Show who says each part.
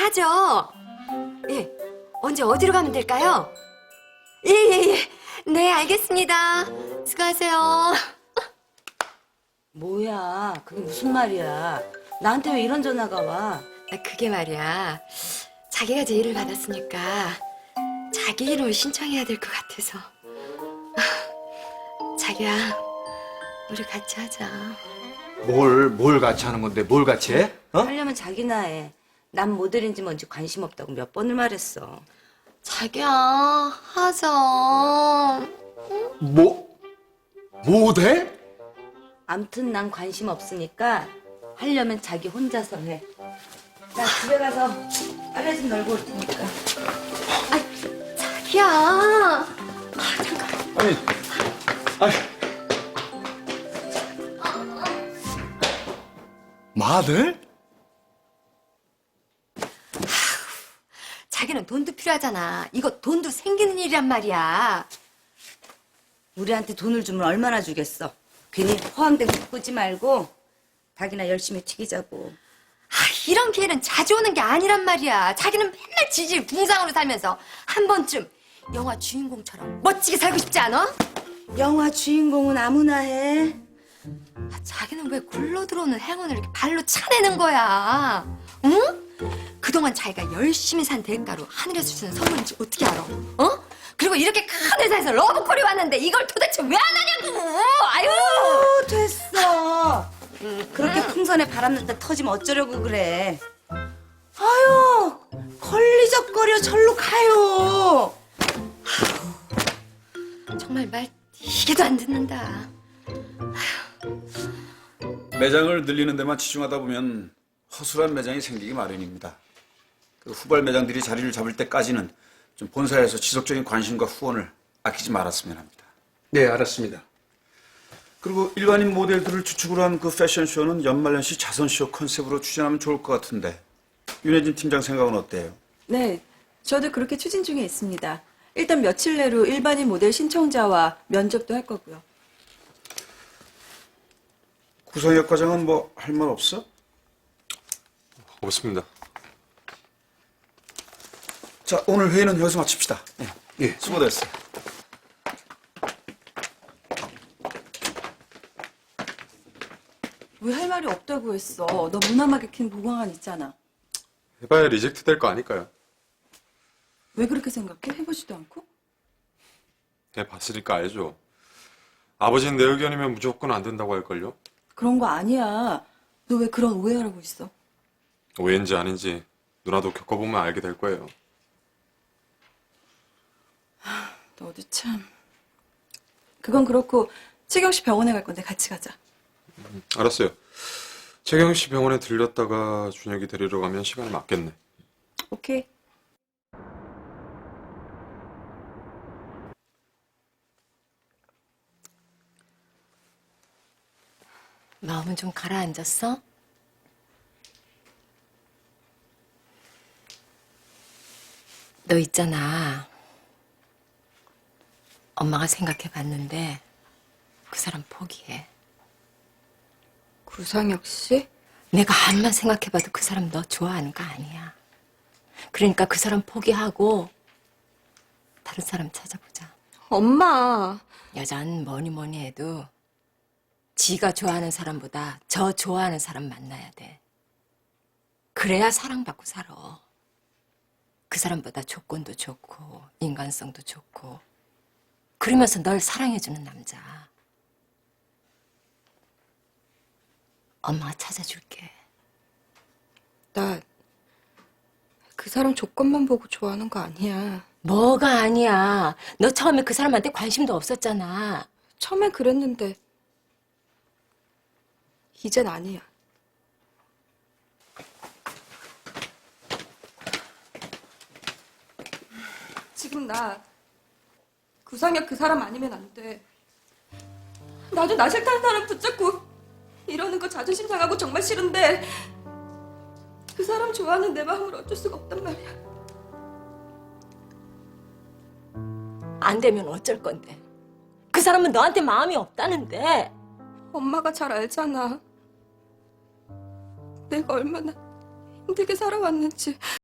Speaker 1: 하죠. 예, 언제 어디로 가면 될까요? 예. 네, 알겠습니다. 수고하세요.
Speaker 2: 뭐야, 그게 무슨 말이야? 나한테 왜 이런 전화가 와?
Speaker 1: 그게 말이야. 자기가 제의를 받았으니까 자기 이름을 신청해야 될 것 같아서. 자기야, 우리 같이 하자.
Speaker 3: 뭘 같이 하는 건데, 뭘 같이 해? 어?
Speaker 2: 하려면 자기나 해. 난 모델인지 뭔지 관심 없다고 몇 번을 말했어.
Speaker 1: 자기야, 하자.
Speaker 3: 모델?
Speaker 2: 암튼 난 관심 없으니까 하려면 자기 혼자서 해. 나 집에 가서 빨래 좀 널고 올 테니까.
Speaker 1: 자기야.
Speaker 3: 아니. 마들?
Speaker 1: 자기는 돈도 필요하잖아. 이거 돈도 생기는 일이란 말이야.
Speaker 2: 우리한테 돈을 주면 얼마나 주겠어? 괜히 허황된 거 꾸지 말고 닭이나 열심히 튀기자고.
Speaker 1: 이런 기회는 자주 오는 게 아니란 말이야. 자기는 맨날 지질 붕상으로 살면서 한 번쯤 영화 주인공처럼 멋지게 살고 싶지 않아?
Speaker 2: 영화 주인공은 아무나 해.
Speaker 1: 자기는 왜 굴러 들어오는 행운을 이렇게 발로 차내는 거야? 응? 그동안 자기가 열심히 산 대가로 하늘에서 주는 선물인지 어떻게 알아? 어? 그리고 이렇게 큰 회사에서 러브콜이 왔는데 이걸 도대체 왜 안 하냐고! 아유!
Speaker 2: 됐어. 그렇게 풍선에 바람 넣다 터지면 어쩌려고 그래. 아유, 걸리적거려 절로 가요.
Speaker 1: 정말 말 이게도 안 듣는다.
Speaker 4: 매장을 늘리는 데만 치중하다 보면 허술한 매장이 생기기 마련입니다. 그 후발 매장들이 자리를 잡을 때까지는 좀 본사에서 지속적인 관심과 후원을 아끼지 말았으면 합니다.
Speaker 3: 네, 알았습니다.
Speaker 4: 그리고 일반인 모델들을 주축으로 한 그 패션쇼는 연말연시 자선쇼 컨셉으로 추진하면 좋을 것 같은데 윤혜진 팀장 생각은 어때요?
Speaker 5: 네, 저도 그렇게 추진 중에 있습니다. 일단 며칠 내로 일반인 모델 신청자와 면접도 할 거고요.
Speaker 4: 구성혁 과장은 뭐 할 말 없어?
Speaker 6: 없습니다.
Speaker 4: 자, 오늘 회의는 여기서 마칩시다.
Speaker 3: 예.
Speaker 4: 수고됐어요.
Speaker 5: 왜 할 말이 없다고 했어? 너 문화 마케팅 보강안 있잖아.
Speaker 6: 해봐야 리젝트 될 거 아닐까요?
Speaker 5: 왜 그렇게 생각해? 해보지도 않고?
Speaker 6: 해봤으니까 알죠. 아버지는 내 의견이면 무조건 안 된다고 할걸요?
Speaker 5: 그런 거 아니야. 너 왜 그런 오해하고 있어?
Speaker 6: 오해인지 아닌지 누나도 겪어보면 알게 될 거예요.
Speaker 5: 너도 참. 그건 그렇고 채경 씨 병원에 갈 건데 같이 가자.
Speaker 6: 알았어요. 최경 씨 병원에 들렸다가 준혁이 데리러 가면 시간이 맞겠네.
Speaker 5: 오케이.
Speaker 1: 마음은 좀 가라앉았어? 너 있잖아. 엄마가 생각해봤는데 그 사람 포기해.
Speaker 5: 구상혁 씨?
Speaker 1: 내가 암만 생각해봐도 그 사람 너 좋아하는 거 아니야. 그러니까 그 사람 포기하고 다른 사람 찾아보자.
Speaker 5: 엄마.
Speaker 1: 여잔 뭐니 해도 지가 좋아하는 사람보다 저 좋아하는 사람 만나야 돼. 그래야 사랑받고 살아. 그 사람보다 조건도 좋고 인간성도 좋고 그러면서 널 사랑해주는 남자. 엄마가 찾아줄게.
Speaker 7: 나 그 사람 조건만 보고 좋아하는 거 아니야.
Speaker 1: 뭐가 아니야. 너 처음에 그 사람한테 관심도 없었잖아.
Speaker 7: 처음엔 그랬는데 이젠 아니야. 지금 나 구상혁 그 사람 아니면 안 돼. 나도 나 싫다는 사람 붙잡고 이러는 거 자존심 상하고 정말 싫은데 그 사람 좋아하는 내 마음을 어쩔 수가 없단 말이야.
Speaker 1: 안 되면 어쩔 건데. 그 사람은 너한테 마음이 없다는데.
Speaker 7: 엄마가 잘 알잖아. 내가 얼마나 힘들게 살아왔는지.